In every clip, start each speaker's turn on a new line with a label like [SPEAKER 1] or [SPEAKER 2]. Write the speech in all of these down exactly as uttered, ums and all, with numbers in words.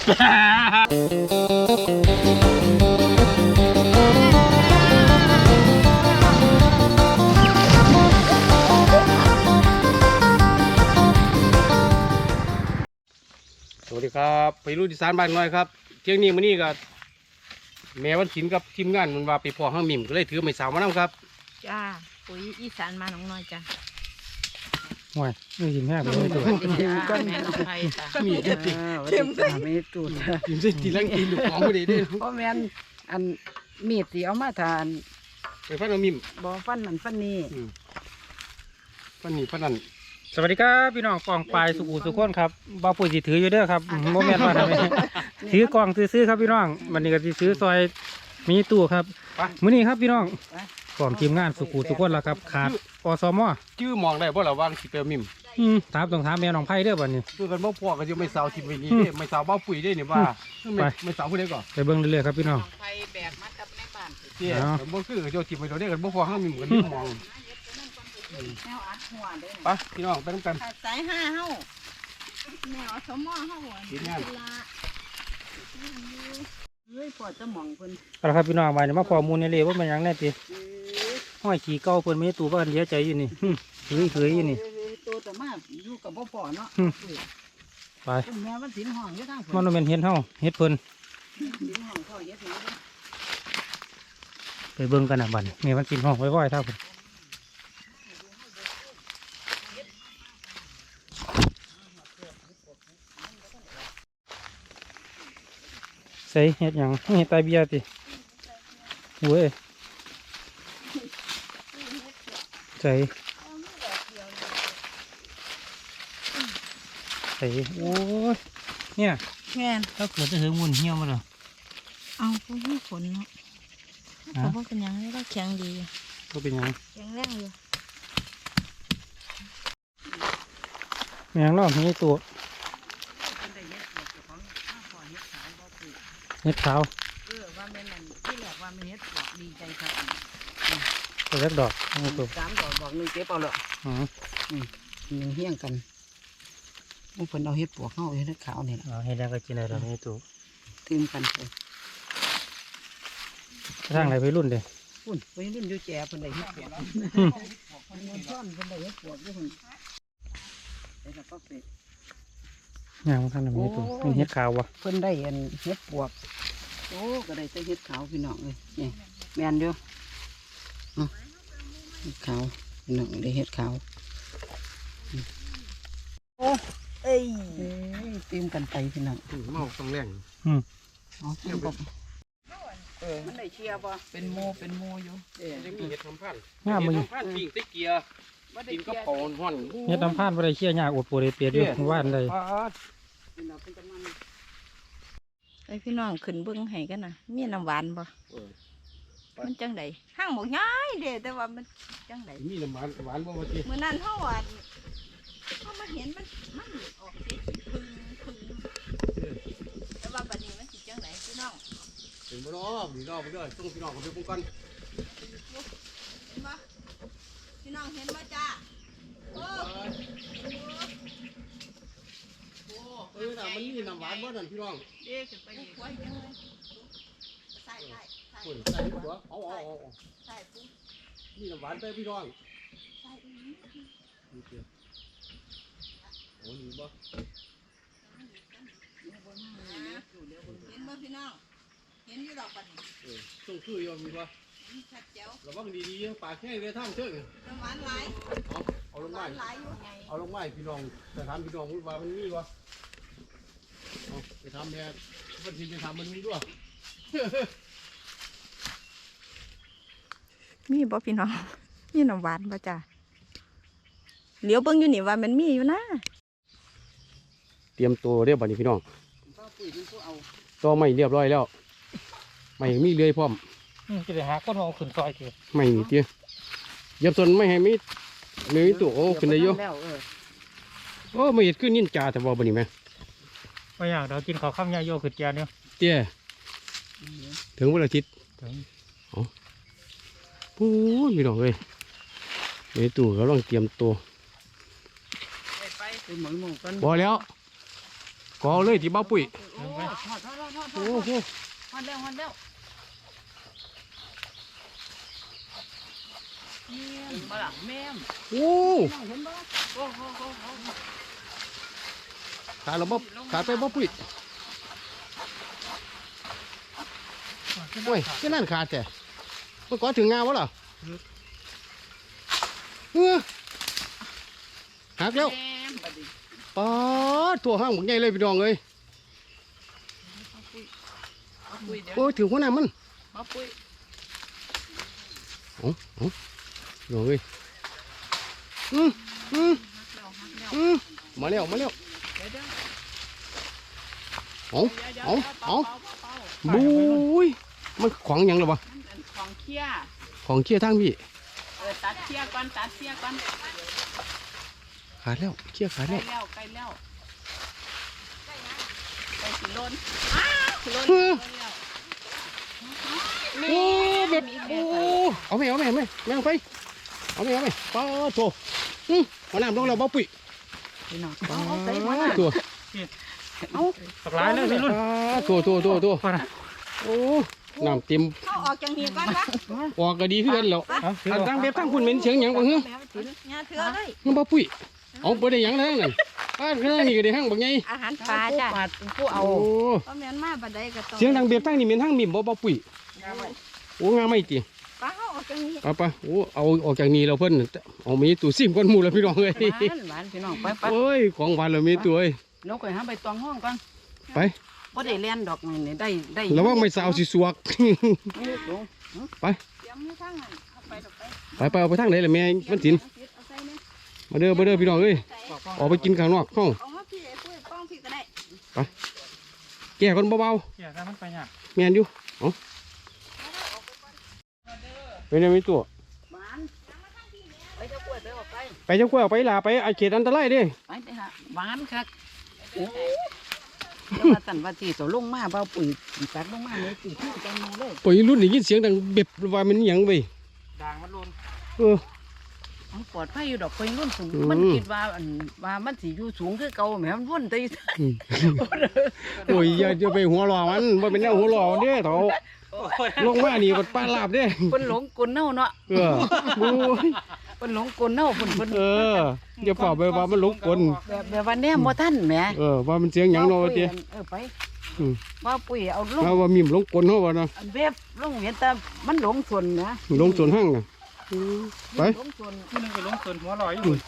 [SPEAKER 1] สวัสดีครับไปรุ่นอีสานบ้านน้อยครับเที่ยงนี้มื้อนี้ก็แม่วันศิลป์กับทีมงานมันว่าไปพ่อห้างมิ่มก็เลยถือไม้สาวมานํครับ
[SPEAKER 2] จ้าปุ๋ยอีสานมาหนองน้อยจ้า
[SPEAKER 3] ห่วยไม่กินแม่ไปเลยตัว
[SPEAKER 2] ก็แม่น้องไผ่จ้า
[SPEAKER 1] มีเด็ดดิ
[SPEAKER 4] เข็มใส่ไม่ตูด
[SPEAKER 1] กินใส่ตีลังกินลูกของพอดีเด้
[SPEAKER 4] เพราะแม่นอันมีดที่เอามาทาน
[SPEAKER 1] ไปฟันเอามิ่ม
[SPEAKER 4] บ่ฟันนั่นฟันนี่
[SPEAKER 1] ฟันนี่ฟันนั่น
[SPEAKER 3] สวัสดีครับพี่น้องกองปลายสุขุสุขคนครับบ่าวปุ๋ยสิถืออยู่เด้อครับโมเมนต์ว่าทำไมถือกองซื้อๆครับพี่น้องวันนี้ก็สิซื้อซอยมีตู้ครับมื้อนี้ครับพี่น้องกองทีมงานสุขุสุขคนแล้วครับขาดอสม
[SPEAKER 1] ชื่อมองได้บ่ล่ะวางสิเปลมิ่ม
[SPEAKER 3] ถามต้องถามแม่น้องไผ่เด้อบัดนี้
[SPEAKER 1] เพื่อกันบ่พ่อก็จะไม่สาวทิมไว้นี้เด้ไม่สาวบ้าปุ๋ยได้นี่ว่าไม่สาวผู้ใดก่อน
[SPEAKER 3] ไปเบิ่งเรื่อยๆครับพี่น้อง
[SPEAKER 2] ไผ่แบกมากับแม่บ้าน
[SPEAKER 1] เตี้ยบ่คือเจ้าทิมไว้ตัวนี้กันบ่พอห้างมิ่มกันมองไปพี่น้องไปน้ำกัน
[SPEAKER 2] สายห้าเฮาแมวสมอเฮา
[SPEAKER 1] กินงาน
[SPEAKER 4] เฮ้ยพอจะมองเพิ่น
[SPEAKER 3] เอาละครับพี่น้องมาเนี่ยมาพอมูลในเล่ว่ามันยังแน่ติห้อยขี่เก่าเพิ่นไม่ตู่ว่ากันเสียใจอยู่นี่เฮ้ยเฮ้ยอยู่นี่
[SPEAKER 4] ตัวแต่มาอยู่กับบ่พอเนาะ
[SPEAKER 3] ไป
[SPEAKER 4] แม่มันสินห้องอยู่ทาง
[SPEAKER 3] มันเป็นเฮ็ดเฮาเฮ็ดเพิ่น
[SPEAKER 4] สินห้องพ่อเฮ็ด
[SPEAKER 3] ไปเบิ่งกันน่ะบัดแม่มันสินห้องไว้ๆเท่าเพิ่นใส่เห็ดหยังเห็ดตายเบียติเว้ยใส่ใส่โอ้ยเนี่ย
[SPEAKER 2] แม่น
[SPEAKER 3] ถ้าเกิดจะถึงมุนเหี้ยวมาหรอ
[SPEAKER 2] เอาพวกนี้ฝนเนาะเขาบอกเป็นยังไงก็แข็งดี
[SPEAKER 3] ก็เป็นยัง
[SPEAKER 2] แข็งแรงอยู่
[SPEAKER 3] แมงรอบนี้ตัวเห็ดขาว
[SPEAKER 4] เออว่าแม่นั่นที่แรกว่าแม่เฮ็ดดอกดีใจครับ
[SPEAKER 3] ตัวเล็กดอกตัว
[SPEAKER 4] สามดอกดอกนึงเก็บเอาเลย
[SPEAKER 3] อืม
[SPEAKER 4] หนึ่งเฮี้ยงกันมุกเพิ่นเอาเฮ็ดปวกเฮาเฮ็ดขาวนี่ล่ะ
[SPEAKER 3] เฮ็ดแล้วก็กินได้ดอกนี้ตัว
[SPEAKER 4] ตื่นกันไป
[SPEAKER 3] สร้างอะไรไปรุ่นเด้
[SPEAKER 4] พุ่นไปรุ่นอยู่แก่เพิ่นได้เฮ็ดปวกเพิ่นซ่อนเพิ่นได้เฮ็ดปวกอยู่เพิ่นได้แล้วก็เป็ด
[SPEAKER 3] ยังท่านแบบนี้ตัวเป็นเห็ดขาววะ
[SPEAKER 4] เพิ่นได้เห็นเห็ดปวกโอ้ก็ได้แต่เห็ดขาวพี่น้องเลยนี่แมนอยู่เห็ดขาวพี่น้องได้เห็ดขาวโอ้เอ้ยเตรียมกันไปพี่น้อง
[SPEAKER 1] เมาต้องแรง
[SPEAKER 3] อืม
[SPEAKER 4] อ๋อเตรียมกันเออมันได้เชียร์ป่ะเป็นโมเป็นโมอยู่
[SPEAKER 1] เอ๊ะยังมีเห็ดทำพัน
[SPEAKER 3] งามมึง
[SPEAKER 1] ทำพันปิ้งตะเกียร์กินก็ปอนห่อน
[SPEAKER 3] เห็ดทำพันบ่ได้เชี่ยยากอดปวดเปียดอยู่ว่านเลย
[SPEAKER 2] ไอพี่น้องขึ้นเบิ้งให้กันนะมีน้ำหวานบ่มันจังไดห้างบอกง่ายเด้แต่ว่ามันจังได
[SPEAKER 1] มีน้ำหวานหวานบ่ว่าติ
[SPEAKER 2] เมื่อนั้นเขาหวานเขามาเห็นมันมันออกสีพึ่งพึ่งแต่ว่าบัดนี้มันสิจังไดพี่น้อง
[SPEAKER 1] เป็นบ่รอบนี่รอบไปด้วยต้องพี่น้องเขาไปปลูกกัน
[SPEAKER 2] เห็นบ่พี่น้องเห็นบ่จ้าโอ้
[SPEAKER 1] เออน่ะมันมีน้ำหวานบ่นั่นพี่น้อง
[SPEAKER 2] เด็กขึ้นไปอีกไว้จังเลยใส่ใส่ใส่
[SPEAKER 1] ใส่หัวเอาเอาเอา
[SPEAKER 2] ใส่ปุ๊บ
[SPEAKER 1] มีน้ำหวานไปพี่น้อง
[SPEAKER 2] ใส่อีก
[SPEAKER 1] นี่เดียวโอ้นี่บ่
[SPEAKER 2] เห็นบ่พี่น้องเห็นอยู่ดอกปัน
[SPEAKER 1] เออต้องคืออยู่มีบ่
[SPEAKER 2] ชัดเจ๋ว
[SPEAKER 1] ระวังดีๆปากแห้งเลยท่านเชิง
[SPEAKER 2] น้ำหวานหลาย
[SPEAKER 1] เอาเอาลงไม้เอาลงไม้พี่น้องแต่ถามพี่น้องว่ามันมีบ่เอาไปทำเนี่ยวันที่จะทำมันมีด้วย
[SPEAKER 2] มีบ่พี่น้องมีน้ำหวานบ่จ้าเหลียวเบิ่งอยู่นี่ว่ามันมีอยู่นะ
[SPEAKER 1] เตรียมตัวเรียบร้อยพี่น้องต่อไม่เรียบร้อยแล้วไม่มีเลื่อยพร้อม
[SPEAKER 3] จะไปหาก้นเอาขึ้นซอยเถอะ
[SPEAKER 1] ไม่มีเตี้ยยับส่วนไม่ให้มีไม่มีตัวโอ้ขึ้นได้เยอะโอ้ไม่เห็นขึ้นนินจาแต่ว่าบนนี้ไหม
[SPEAKER 3] ไม่อยากเรากินข้าวข้ามยาโยขึ้นจานเนี่ย
[SPEAKER 1] เตี้ยถึงวันอาทิตย์อ๋อปูนพี่น้องเลยไม่ตัวก็ต้องเตรียมตัว
[SPEAKER 4] ไปหมอนหมอนกัน
[SPEAKER 1] พอแล้วกอเลยที่บ้าปุ๋ย
[SPEAKER 4] โอ้ทอดทอดทอดทอด
[SPEAKER 1] โอ้โห
[SPEAKER 4] ทอดแล้วทอดแล้วแม่มบ่ล่ะแม่ม
[SPEAKER 1] โอ้
[SPEAKER 4] น้องเห็นบ่โอ้โหโอ้โห
[SPEAKER 1] ขาดเราบ่ขาดไปบ้าปุ๋ยโอ้ยที่นั่นขาดแต่เมื่อก่อนถึงงานวะเหรอเออหักแล้ว
[SPEAKER 4] แม่มบัดนี้
[SPEAKER 1] ปาดตัวห้างหมดใหญ่เลยพี่น้องเลย
[SPEAKER 4] เอาปุ้ยเดี๋ยว
[SPEAKER 1] โอ้ยถือหัวหน้ามัน
[SPEAKER 4] เอาปุ้ย
[SPEAKER 1] โอ้โอ้พี่น้องเลยอืมอืม
[SPEAKER 4] หักแล้วหักแล้ว
[SPEAKER 1] อืมมาแล้วมาแล้ว
[SPEAKER 4] เดี๋ยวเดี๋ยว
[SPEAKER 1] เอา
[SPEAKER 4] เดี๋ยว
[SPEAKER 1] เอา
[SPEAKER 4] ดี๋ยว
[SPEAKER 1] เอา
[SPEAKER 4] เป่ๆ
[SPEAKER 1] บุ้ยมันของหยังหรอวะ
[SPEAKER 4] ๆมันเป็นของเคี้ย
[SPEAKER 1] ของเคี้ยทางพี่
[SPEAKER 4] เออตัดเคี้ยก่อนตัดเคี้ยก่อน
[SPEAKER 1] ขาดแล้วเคี้ยขาด
[SPEAKER 4] ใกล้
[SPEAKER 1] แล้ว
[SPEAKER 4] แล้วใกล้แล้วใกล้สิล้นอ้าวล้น
[SPEAKER 1] เออ
[SPEAKER 4] ล้นแล้ว
[SPEAKER 1] โอ้แบบโอ้เอาไหมเอาไหมเอาไหมแม่งไปเอาไหมเอาไหมปาดโถอืมหัวหน้าลงแล้วบ้าปุ๋ย
[SPEAKER 4] พี่น้อง
[SPEAKER 1] ปา
[SPEAKER 4] เอาเอาใส่มา
[SPEAKER 1] ดตัว
[SPEAKER 4] เอา
[SPEAKER 3] ตกหลายเลยพี่รุ่น
[SPEAKER 1] ปาดตัวตัวตัวตัว
[SPEAKER 3] พอนะ
[SPEAKER 1] โอ้น้ำเต็ม
[SPEAKER 2] เขาออกจังเฮียก่อนปะ
[SPEAKER 1] ออกก็ดีขึ้นแล้ว
[SPEAKER 3] เอาถือ
[SPEAKER 1] อัน
[SPEAKER 3] เอา
[SPEAKER 1] ตั้งเบ็บตั้งคุณเหม็นเสียงหยังบ่เฮ้ย
[SPEAKER 2] แม่ไปถึงงาเถือเลย
[SPEAKER 1] มันบ้าปุ๋ยเอาไปได้หยังแล้วนั่นป้าข้างนี่ก็ได้ห้างบักไง
[SPEAKER 2] อาหารปลาจ้ะ
[SPEAKER 4] ปาดผู้เอา
[SPEAKER 1] โอ้
[SPEAKER 2] เพราะแม่นมาบัดใดก็ต้อง
[SPEAKER 1] เสียงดังเบียบตั้งนี่เหม็นห้างมิ่มบ่บ้าปุ๋ยโอ้งาไม่จี
[SPEAKER 2] ปลาเขาออกจังนี้
[SPEAKER 1] เอาไปโอ้เอาออกจากนี้เราเพิ่นเอามีตู้ซิมก้อนหมูแล้วพี่น้องเอ้ย
[SPEAKER 4] หวานหวานพี่น้องไปไป
[SPEAKER 1] โอ้ยของหวานเรามีตัวเอ้ย
[SPEAKER 4] นกไปหาใบตองห้องก่อน
[SPEAKER 1] ไป
[SPEAKER 4] บ่ได้เลียนดอกนี่ได้ได้
[SPEAKER 1] แล้วว่าไม่สาวสิสวก
[SPEAKER 4] นี่ลง
[SPEAKER 1] ไป
[SPEAKER 2] เสียมมือทางนั้นเอาไปดอกไป
[SPEAKER 1] ไปไปเอาไปทางไหนล่ะแม่มันสิน
[SPEAKER 2] เอาใส่เนี่ย
[SPEAKER 1] มาเด้อมาเด้อพี่น้องเอ้ย
[SPEAKER 2] ใส่
[SPEAKER 1] ออกไปกินข้างนอกเฮา
[SPEAKER 2] เอามาพี่ไอ้ปุ้ยป้องพี่ก็ได้
[SPEAKER 1] แก่คนเบา
[SPEAKER 3] เกี่ยถ้ามันไปยาก
[SPEAKER 1] ๆแม่นอยู่เอ้าเป็นยังมีตัว
[SPEAKER 4] หวานไปเจ้ากล้วยไปออกไป
[SPEAKER 1] ไปเจ้ากล้วยเอาไปลาไปไอ้เขตอันตรายเด้
[SPEAKER 4] ไปไปหาหวานคักโอ้แล้วมาสั่นว่าที่ตัวลงมาเบาปุ๋ยตัดลงมาเลยปุ๋ยที่จังเลย
[SPEAKER 1] ปล่อยรุ่นได้ยินเสียงดังเบ็บว่ามันหยังเว้ย
[SPEAKER 3] ด่างมันรุน
[SPEAKER 1] เออ
[SPEAKER 4] มันปลอดภัยอยู่ดอกปุ๋ยรุ่นสูง
[SPEAKER 1] อืม
[SPEAKER 4] มันคิดว่าอันว่ามันสิอยู่สูงคือเก่าแหมมันวุ่นตี
[SPEAKER 1] อืมโอ้ยอย่าจะไปหัวหล่อมันว่าเป็นแนวหัวหล่อเด้เถาลงมานี่ก็ป้าลาบเด้
[SPEAKER 4] เพิ่นหลงกลเน่าเนาะ
[SPEAKER 1] เออโอ้ย
[SPEAKER 4] เพิ่นหลงกลเน่าเพิ่นเพิ่น
[SPEAKER 1] เอออย่าเป่าไปว่ามันหลงกล
[SPEAKER 4] แบบแบบว่าแนมบ่ทันแหม
[SPEAKER 1] เออว่ามันเสียงหยังเนาะว่าติ
[SPEAKER 4] เออไป
[SPEAKER 1] อืม
[SPEAKER 4] ว่าปุ๋ยเอาลง
[SPEAKER 1] ว่าว่ามีมหลงกลเฮาว่าเนาะ
[SPEAKER 4] อันเว็บลงเห็นแต่มันหลงส่วนนะ
[SPEAKER 1] หลงสวนห้างน่ะอืมไป
[SPEAKER 4] หลงส่วน
[SPEAKER 3] ที่นึงก็ลงส่วนหัวลอยอยู่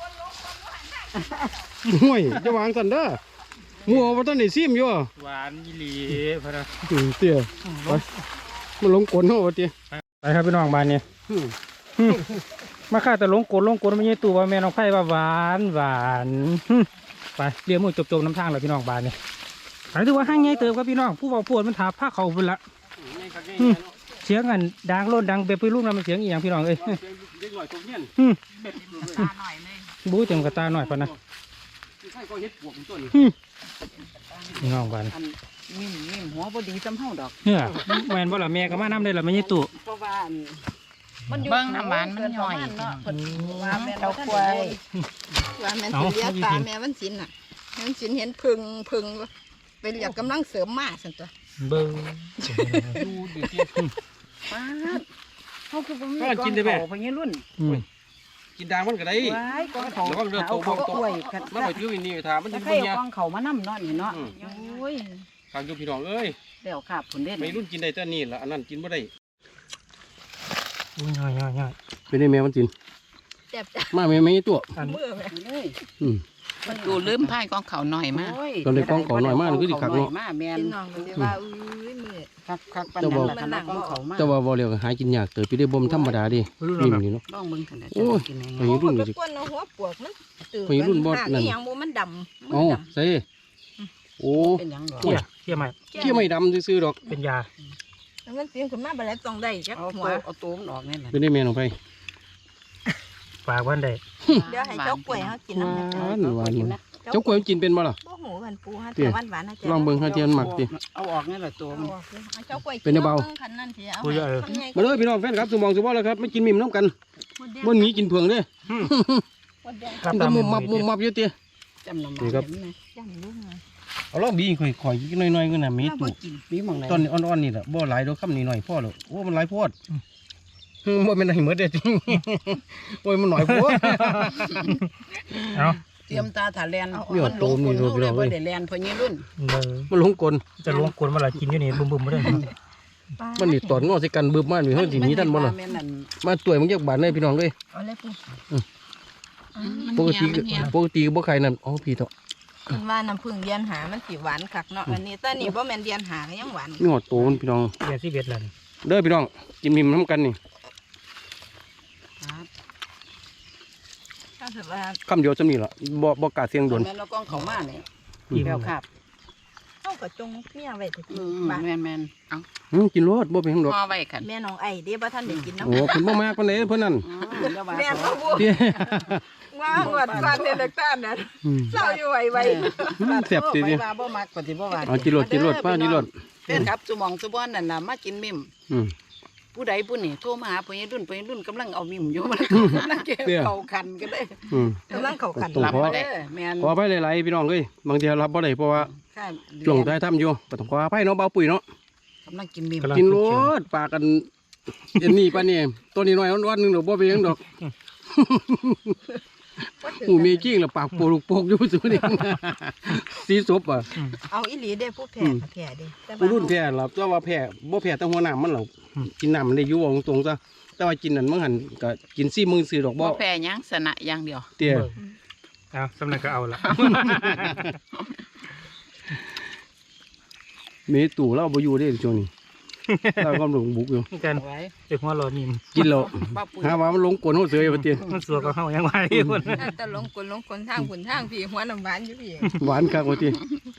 [SPEAKER 1] ห่วยจะวางซั่นเด้อหมู่บ่ทันได้ซิมอยู่
[SPEAKER 3] หวานยี่หลีพะนะ
[SPEAKER 1] อืมเตี้ยไปมันหลงกลเฮาว่าติ
[SPEAKER 3] ไปครับพี่น้องบ้านนี้
[SPEAKER 1] อืม
[SPEAKER 3] อืมมาข้าแต่หลงโกนหลงโกนไม่ใช่ตัวว่าแม่น้องไผ่ว่าหวานหวานอืมไปเรียกมือจบๆน้ำทางเลยพี่น้องบ้านนี้หายถือว่าห้างไงเติมครับพี่น้องผู้เบาปวดมันถาผ้าเขาพุ่นละอืมเสียงอันดังโลดดังเบบไปลูกนั้นมันเสียงอีหยังพี่น้องเอ้ย
[SPEAKER 1] เด็กหน่อยตกเงี้ยน
[SPEAKER 3] อืม
[SPEAKER 4] ตาหน่อยเลย
[SPEAKER 3] บู๊เต็มกระตาหน่อยพอนะ
[SPEAKER 1] ใช่ก็เฮ็ดปวกต้น
[SPEAKER 3] พี่น้องบ้าน
[SPEAKER 4] อันมิ่มมิ่มหัวบ่ดีซ้ำเฮาดอก
[SPEAKER 3] เนี่ยแม่นบ่ล่ะแม่ก็มาน้ำได้ล่ะไม่ใช่ตู้
[SPEAKER 4] เพราะว่าอันมันอยู่
[SPEAKER 5] เบิ่งน้ำหวานมันย่อย
[SPEAKER 4] เนาะเพิ่นว่าแม่น
[SPEAKER 5] เจ้า
[SPEAKER 4] บ่ทัน
[SPEAKER 5] กล้วย
[SPEAKER 2] ว่าแม่นสิเลียตาแม่มันสินน่ะแม่มันสินเห็นพึ่งพึ่งไปเรียกกำลังเสริมมาซั่นตัว
[SPEAKER 3] เบิ้ง
[SPEAKER 1] ดูดิเ
[SPEAKER 4] ป๊าดเฮาคือบ่มี
[SPEAKER 1] ก็กินได้แม่
[SPEAKER 4] พญรุ่น
[SPEAKER 3] อืม
[SPEAKER 1] กินด่างมันก็ได้
[SPEAKER 4] ว้ายกองเขา
[SPEAKER 1] ระวังเด้อ
[SPEAKER 4] เอาเขา
[SPEAKER 1] โตบ่โต
[SPEAKER 4] กล้วยกัน
[SPEAKER 1] มันไปถือวินนี่ถามมัน
[SPEAKER 4] ถ้า
[SPEAKER 1] จะ
[SPEAKER 4] ใคร
[SPEAKER 1] เป็น
[SPEAKER 4] เอา
[SPEAKER 1] ยัง
[SPEAKER 4] กองเขามานำเนาะนี่เนาะ
[SPEAKER 1] อืม
[SPEAKER 4] โอ้ย
[SPEAKER 1] ทางอยู่พี่น้องเอ้ย
[SPEAKER 4] แล้วครับผุนเด่น
[SPEAKER 1] ไม่รุ่นกินได้แต่นี่ละอันนั้นกินไม่ได้
[SPEAKER 3] อุ้ยง่ายง่ายง่าย
[SPEAKER 1] เป็นได้แม่มันกิน
[SPEAKER 2] แซ่บจ้ะ
[SPEAKER 1] มาแม่ไม่ตัว
[SPEAKER 3] อัน
[SPEAKER 2] มือแม่
[SPEAKER 4] เลย
[SPEAKER 1] อืม
[SPEAKER 5] มันดูลืมพายกองเขาหน่อยมาก
[SPEAKER 4] โอ้ย
[SPEAKER 1] ตอนนี้กองเขาหน่อยมากเลยคือสิคักเนาะ
[SPEAKER 4] มาแม่น
[SPEAKER 2] พี่น้องก็สิว่าอุ้ยมือ
[SPEAKER 4] คักคักปานนั้นล่ะคันเอากองเขามา
[SPEAKER 1] แต่ว่าบ่เรียกหากินยากเติบไปได้บ่มธรรมดาดินิ่มนี่เนาะ
[SPEAKER 4] ลองเบิ่งกันนะ
[SPEAKER 1] โอ้ย
[SPEAKER 4] กินยัง
[SPEAKER 1] ไป
[SPEAKER 4] ไง
[SPEAKER 1] รุ่น
[SPEAKER 2] ก็
[SPEAKER 1] ก็สิ
[SPEAKER 2] กวนเอาหัวปวกมันตื่น
[SPEAKER 1] ไปรุ่นบ่นั่น
[SPEAKER 2] หยังบ่มันดำ
[SPEAKER 1] เอ้าใส่โอ้
[SPEAKER 4] เป็นหยังดอก
[SPEAKER 3] เขี้ยเขี้ยใหม่
[SPEAKER 1] เขี้ยไม่ดำซื่อๆดอก
[SPEAKER 3] เป็นยา
[SPEAKER 2] แล้วมันสินขึ้นมาบ่ได้ต้องได้จัก
[SPEAKER 4] เอา
[SPEAKER 2] หั
[SPEAKER 4] ตัว วเอาตัวมันออกนี่แหละ
[SPEAKER 1] เป็นได้แม่ลงไป
[SPEAKER 3] ฝากวันใด
[SPEAKER 2] เดี๋ยวให้เจ้ากล้วยเฮากินน้ำ
[SPEAKER 1] ห
[SPEAKER 2] นะ
[SPEAKER 1] วานหวานมันเจ้ากล้วยมันกินเป็นบ่ล่ะ
[SPEAKER 2] บ่หูมันปูฮะ
[SPEAKER 1] เตี้
[SPEAKER 2] แต่
[SPEAKER 1] ย
[SPEAKER 2] หวานๆนะจ๊ะ
[SPEAKER 1] ลองเบิ่งหาเทียนหมักดิ
[SPEAKER 4] เอาออกนี่แหละตัว
[SPEAKER 2] เอา
[SPEAKER 4] มัน
[SPEAKER 2] ออกสิเอาเจ้ากล้วย
[SPEAKER 1] เป็นเบา
[SPEAKER 2] คันนั้นสิเอา
[SPEAKER 3] กูเยอะเออ
[SPEAKER 2] ทำไง
[SPEAKER 1] มาเลยพี่น้องแฟนครับสมองสมบัติแล้วครับไม่กินมิ่มน้ำกันบ่หนีกินเผืองเด้
[SPEAKER 3] ครับ
[SPEAKER 1] มัน
[SPEAKER 3] ตา
[SPEAKER 1] ก็
[SPEAKER 3] ม
[SPEAKER 1] มุมมับมุมมับอยู่ติ
[SPEAKER 4] จำนำ
[SPEAKER 1] นี่ครับ
[SPEAKER 4] เห็นไหม
[SPEAKER 2] จำลูกหน่อย
[SPEAKER 1] เอาลองบีข่อยข่อยอีกหน่อยๆก็น่ะมี
[SPEAKER 4] ถ้าบ่
[SPEAKER 1] ตู้
[SPEAKER 4] กินมีหม่องไหน
[SPEAKER 1] ตอนนี้อ่อนๆนี่แหละบ่หลายดอกคำนี้หน่อยพ่อหรอกโอ้มันหลายโพดอืมบ่แม่นให้หมดเด้อจริงโอ้ยมันหน่อยโพด
[SPEAKER 3] เอา
[SPEAKER 4] เตรียมตาถาแลน
[SPEAKER 1] เนี่ย
[SPEAKER 4] มันลง
[SPEAKER 1] โตมี
[SPEAKER 4] คน
[SPEAKER 1] รูป
[SPEAKER 4] เฮาเลย
[SPEAKER 1] เรา
[SPEAKER 4] บ่
[SPEAKER 1] เว้ย
[SPEAKER 4] ได้แลนเพราะยี่รุ่น
[SPEAKER 3] เบิ่ง
[SPEAKER 1] มันหลงกล
[SPEAKER 3] จะลงกวนมาละกินอยู่นี่บึ้มๆมาเด้อ
[SPEAKER 1] มันนี่ตอนงอใส่กันบึบมานี่เฮาสิหนีทันบ่ล่ะ
[SPEAKER 4] แม่นนั่น
[SPEAKER 1] มาต่วยมึงจักบาทเลยพี่น้องเอ้ย
[SPEAKER 2] เอาเลยปุ๊
[SPEAKER 5] มัน
[SPEAKER 1] ปก
[SPEAKER 5] เหี่
[SPEAKER 1] ติ
[SPEAKER 5] ยมันเหี่ย
[SPEAKER 1] ปกติบ่ใครนั่นอ๋อพี่เถาะ
[SPEAKER 2] มันว่าน้ำผึ้งเดียนหามันสิหวานคักเนาะอันนี้แต่นี่บ่แม่นเดียนหาก็ยังหวาน
[SPEAKER 1] มีหอดโตมันพี่น้อง
[SPEAKER 3] เดือนสิบเอ็ดแล้วนี่
[SPEAKER 1] เด้อพี่น้องกินมิมน้ำกันนี่
[SPEAKER 4] ครับ
[SPEAKER 2] ถ้าถือว่า
[SPEAKER 1] คำเดียวจำนี่ล่ะบ่บ่กล้าเสียงโดน
[SPEAKER 4] แม่นเรากองเขามาเนี่ย
[SPEAKER 3] อิ่ม
[SPEAKER 4] แก้วครับ
[SPEAKER 2] เฮาก็จงเมียไว้แต่
[SPEAKER 4] อื
[SPEAKER 2] กิน
[SPEAKER 4] ม
[SPEAKER 2] บ้าน
[SPEAKER 4] แม่นแม่น
[SPEAKER 1] อืมกินรสบ่เป็นหยังดอก
[SPEAKER 5] ห่อไว้กัน
[SPEAKER 2] แม่น้องไอ้เด้บ่ทันได้กินน้ำ
[SPEAKER 1] โอ้เพิ่นบ่มากปานใดเพิ่นนั่น
[SPEAKER 4] อ๋อแล้วว่า
[SPEAKER 2] แม่น
[SPEAKER 4] เขา
[SPEAKER 2] บ่
[SPEAKER 1] เตี้ย
[SPEAKER 2] ว่าหวดฟันเนี่ยเด็กตานน่ะ
[SPEAKER 1] อืม
[SPEAKER 2] เศร้าอยู่ไว้ไว้
[SPEAKER 1] อืมแซ่บติ
[SPEAKER 4] ไป
[SPEAKER 1] เด้
[SPEAKER 4] ว่าบ่มักปฏิบ่ว่า
[SPEAKER 1] เอากินรสกินรสป้ากินรส
[SPEAKER 4] เป็นครับสุหมองสุบอนนั่นน่ะมากินมิม
[SPEAKER 1] อืม
[SPEAKER 4] ผู้ใดผู้นี่โทรมาหาพ่อใหญ่รุ่นพ่อใหญ่รุ่นกำลังเอามิมอยู่มันกำลังเก็บ
[SPEAKER 1] เนี่ย
[SPEAKER 4] เขาคันกันเลย
[SPEAKER 1] อืม
[SPEAKER 2] กำลังเข้ากัน
[SPEAKER 1] ต้อง
[SPEAKER 5] รับ
[SPEAKER 1] ขอ
[SPEAKER 5] มาได้
[SPEAKER 4] เออแม่น
[SPEAKER 1] ขออภัยหลายๆพี่น้องเอ้ยบางทีรับบ่ได้เพราะว่า
[SPEAKER 4] ค่ะ
[SPEAKER 1] ช่วงท้ายทำอยู่ก็ต้องขออภัยเนาะเบาปุ๋ยเนาะ
[SPEAKER 4] กำลังกินมิม
[SPEAKER 1] กินรสปากกันเอ็นนี่ปานนี้ตัวนี้น้อยวันๆหนึงดอกบ่เป็นหยังดอกหูมีจริงแล้วปากโปลูกโปกอยู่ซุนี่สีศพอ่ะ
[SPEAKER 2] เอาอีหลีเด้ผู้แพ้ก็แพ้เด้แต่ว่า
[SPEAKER 1] ผู้รุ่นแพ้ล่ะแต่ว่าแพ้บ่แพ้แต่หัวหน้ามันหรอกกินน้ำมันได้อยู่ว่าตรงๆซะแต่ว่ากินนั่นมันหันก็กินซี่มือซื้อดอกบ่
[SPEAKER 5] บ่แพ้หยังสนะอย่างเดียว
[SPEAKER 1] เตี้ย
[SPEAKER 3] เอาสำนักก็เอาละ
[SPEAKER 1] มีตู่เราบ่อยู่เด้ช่วงนี้เรากำลังบุกอยู่
[SPEAKER 3] นี่กัน
[SPEAKER 4] เอาไว้
[SPEAKER 3] เด็กหัวโลนิม
[SPEAKER 1] กินแล้ว
[SPEAKER 4] ป้าปุ๋ย
[SPEAKER 1] หาว่ามันลงกลนเฮาเสืออยู่ว่าเตี้ย
[SPEAKER 3] มันสัวก็เข้ายังไงคน
[SPEAKER 2] แต่ลงกลลงกลทางขุนทางพี่หัวน้ำหวานอยู่พี่
[SPEAKER 1] หวานคักว่าเตี้ย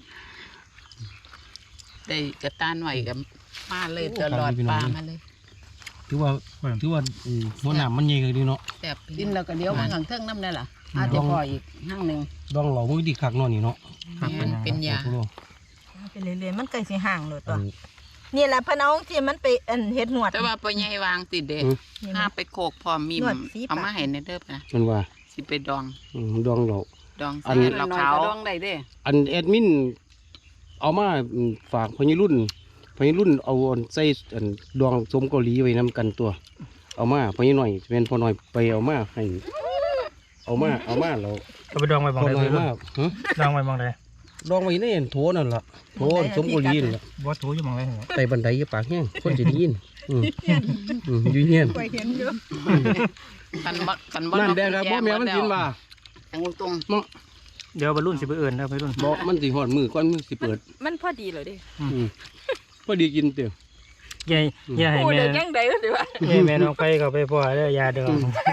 [SPEAKER 5] ได้กระตานหน่อยกับมาเลยตลอดปลามาเลย
[SPEAKER 1] ถือว่าถือว่าอืมหัวหน้ามันใหญ่ก็ดีเนาะ
[SPEAKER 5] แซ่บ
[SPEAKER 4] กินแล้วก็เลี้ยวมาข้างเทิงน้ำนั่นล่ะอาจจะพออีกห้างหนึง
[SPEAKER 1] ดองเหล่ามือดีคักเนาะนี่เนาะ
[SPEAKER 5] แม่นเป็นยา
[SPEAKER 2] ไปเรื่อยๆมันใกล้สิห่างเลยตัวนี่แหละพะน้องที่มันไปอันเฮ็ดหนวด
[SPEAKER 5] แต่ว่าพ่อใหญ่วางติดเด้
[SPEAKER 2] นี่
[SPEAKER 5] ห้า
[SPEAKER 2] นะ
[SPEAKER 5] ไปโขกพร้อมมีม
[SPEAKER 2] นวดสีปาก
[SPEAKER 5] เอามาให้ในเด้อนะ
[SPEAKER 1] มันว่า
[SPEAKER 5] สิไปดอง
[SPEAKER 1] อืมดองเหล่า
[SPEAKER 5] ดอง
[SPEAKER 1] อั
[SPEAKER 5] ใส่
[SPEAKER 1] น
[SPEAKER 5] เหล้า
[SPEAKER 4] น้อย
[SPEAKER 5] ขาว
[SPEAKER 4] ก็ดองได้เด้
[SPEAKER 1] อันแอดมินเอามาอืมฝากพญรุ่นพญรุ่นเอาอันใส่อันดองสมเกาหลีไว้นํกันตัว เอามาพญหน่อยเป็นพอหน่อยไปเอามาให้เอามาเอามาแล้ว
[SPEAKER 3] เอาไปดองไว้
[SPEAKER 1] พ
[SPEAKER 3] บาง
[SPEAKER 1] อ
[SPEAKER 3] ใด
[SPEAKER 1] หน่อย
[SPEAKER 3] เลย
[SPEAKER 1] มาฮะ
[SPEAKER 3] ดองไว้บางใด
[SPEAKER 1] ดองไว้ในอันโถนั่นล่ะโถสมเกาหลีนั่นล่ะ
[SPEAKER 3] บอสถูอยู่บางใดเหรอ
[SPEAKER 1] ไต่บันไดอย่าปากแห้งคนจะได้ยินอืมอืมอยู่เงียน
[SPEAKER 2] ไปเห็นอยู่
[SPEAKER 5] กันบ่กันบ่
[SPEAKER 1] น้ำแดงครับบ่แม่มันกินว่า
[SPEAKER 4] ทางตรง
[SPEAKER 3] เดี๋ยวบรรลุนสิไปเอิญนะไปรุ่น
[SPEAKER 1] บ่มันสิหอดมือก่อนมือสิเปิด
[SPEAKER 2] มันพอดีเลยดิ
[SPEAKER 1] อืมพอดีกินเตียว
[SPEAKER 3] ยายยายให้
[SPEAKER 2] พูด
[SPEAKER 3] แม่
[SPEAKER 2] ได้ยังไงก็สิว่า
[SPEAKER 3] ยายแม่น้องไปเขาไปพ่อแล้วยาเดือด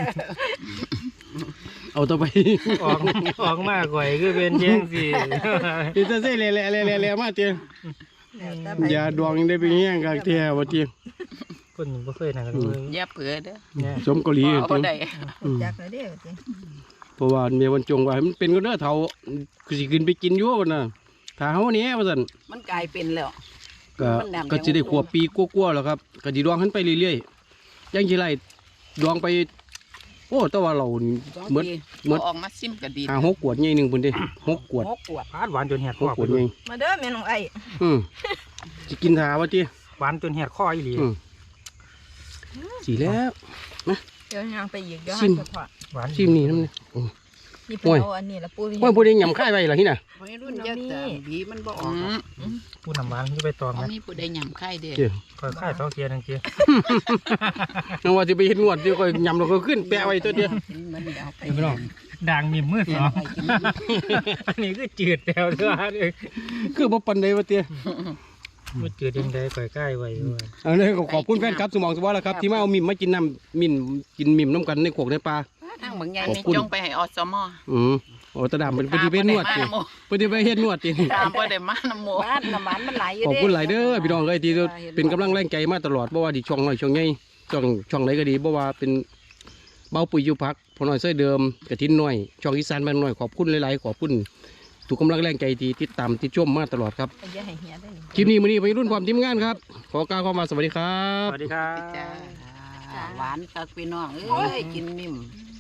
[SPEAKER 1] เอาต่อไป
[SPEAKER 3] ออกออกมาก่อยคือเป็นเชียงสิ
[SPEAKER 1] นี่จะใส่แหล่ๆๆๆมาเตียว
[SPEAKER 2] แล้วแต่ไป
[SPEAKER 1] ยาดองยังได้ไปแห้งกักแท้ว่าเตียว
[SPEAKER 3] คนบ่เคยนะกันเลย
[SPEAKER 5] อย่าเผือเด้อ
[SPEAKER 3] เนี่ย
[SPEAKER 1] สมเกาหลี
[SPEAKER 5] เอา
[SPEAKER 1] เตียว
[SPEAKER 5] ได้
[SPEAKER 2] จักเลยเด้อจริง
[SPEAKER 1] เพราะว่าเมียวันจงว่าให้มันเป็นก็เด้อเฒ่าคือสิขึ้นไปกินอยู่ว่าน่ะถ้าเฮาเนี้ยว่าซั่น
[SPEAKER 4] มันกลายเป็นแล้ว
[SPEAKER 1] ก็
[SPEAKER 4] มันดำ
[SPEAKER 1] ก็สิได้ขวบปีกว่าๆแล้วครับก็สิดองขึ้นไปเรื่อยๆยังสิไล่ดองไปโอ้แต่ว่าเรานี่
[SPEAKER 4] สอง
[SPEAKER 1] เหมือน
[SPEAKER 4] ปี
[SPEAKER 1] เหมือน
[SPEAKER 5] เอาออกมาซิมก็ดี
[SPEAKER 1] หาหกขวดใหญ่หนึงพุ่นเด้หกขวด
[SPEAKER 4] หกขวด
[SPEAKER 3] พาดหวานจนแหด
[SPEAKER 1] ห
[SPEAKER 3] คอก
[SPEAKER 1] ขวดใหญ่
[SPEAKER 2] มาเด้อแม่น้องไอ้
[SPEAKER 1] อืมสิกินทาว่าติ
[SPEAKER 3] หวานจนแหดคออีหลี
[SPEAKER 1] อืมสิแล้ว
[SPEAKER 2] เดี๋ยวยางไปอีกเดี๋ยว
[SPEAKER 1] ชิ
[SPEAKER 2] หั
[SPEAKER 1] ม
[SPEAKER 2] นเฉพาะ
[SPEAKER 3] หวาน
[SPEAKER 1] ชิมนี่นำนี่
[SPEAKER 2] นี่
[SPEAKER 1] โอ้
[SPEAKER 2] เพิ่น
[SPEAKER 1] ย
[SPEAKER 2] เอาอันนี้ละปู
[SPEAKER 1] โอ้ยบ่ได้ยำคายไว้ล่ะหิน่ะ
[SPEAKER 4] วัยรุ่นเยอะแต่บีมันบ่ออก
[SPEAKER 5] อืม
[SPEAKER 3] ผู้นำหวานที่ไปตอง
[SPEAKER 5] เขา
[SPEAKER 3] นะ
[SPEAKER 5] มีผู้ใดยำไข่เด้อ
[SPEAKER 1] เจ้
[SPEAKER 3] คอยค่ายสองเทียนึงเทีย
[SPEAKER 1] นึกว่าสิไปเฮ็ดนวดสิก็ยำแล้วก็ขึ้นแปะไว้ตัวเดียว
[SPEAKER 4] มันเอาไป
[SPEAKER 1] พี่น้อง
[SPEAKER 3] ด่างมีมือสอง
[SPEAKER 4] ไปกิน
[SPEAKER 3] อันนี้คือจืดแล้วเด้อ
[SPEAKER 1] คือบ่ปานใดว่าติ
[SPEAKER 3] มันจืดยังไงคอยค่ายไว้ว่า
[SPEAKER 1] เอาเลยก็ขอบคุณแฟนครับสมองสวัสดิ์แล้วครับที่มาเอามิมมากินน้ำมิมกินมิมน้ำกันในโขกในปลา
[SPEAKER 5] ทางบางใหญ่
[SPEAKER 1] ขอบ
[SPEAKER 5] นี่
[SPEAKER 1] คุณ
[SPEAKER 5] จงไปให้อสม
[SPEAKER 1] อืมโอ้ตาดำเป็นปฏิเวณนวด
[SPEAKER 5] ตา
[SPEAKER 1] ติ
[SPEAKER 5] บ่ได้มา
[SPEAKER 1] ปฏิเวณเฮ็ดนวดติ
[SPEAKER 5] ตามบ่ได้มาน้ำหมู
[SPEAKER 4] บ้านน้ำมันมันไหลอยู่
[SPEAKER 1] ขอบ
[SPEAKER 4] เด้
[SPEAKER 1] คุณหลายเด้อพี่น้องเอ้ยที่เป็นกำลังแรงใจมาตลอดบ่ว่าที่ช่องน้อยช่องใหญ่ช่องช่องไหนก็ดีบ่ว่าเป็นเบาปุ๋ยอยู่พักพอน้อยเส้ยเดิมกระทินน้อยช่องอีสานบ้านน้อยขอบคุณหลายๆขอบคุณทุกกำลังแรงใจที่ติดตามติดชมมาตลอดครับ
[SPEAKER 2] อย่าให้เหียได้นี่
[SPEAKER 1] คลิปนี้มื้อนี้ไปรุ่นความทีมงานครับขอกล่าวคำว่าสวัสดีครั
[SPEAKER 3] ส
[SPEAKER 1] บ
[SPEAKER 3] วัสดีครับ
[SPEAKER 5] จ้า
[SPEAKER 4] หวานคักพี่น้องเอ้ยกินมิม
[SPEAKER 2] อ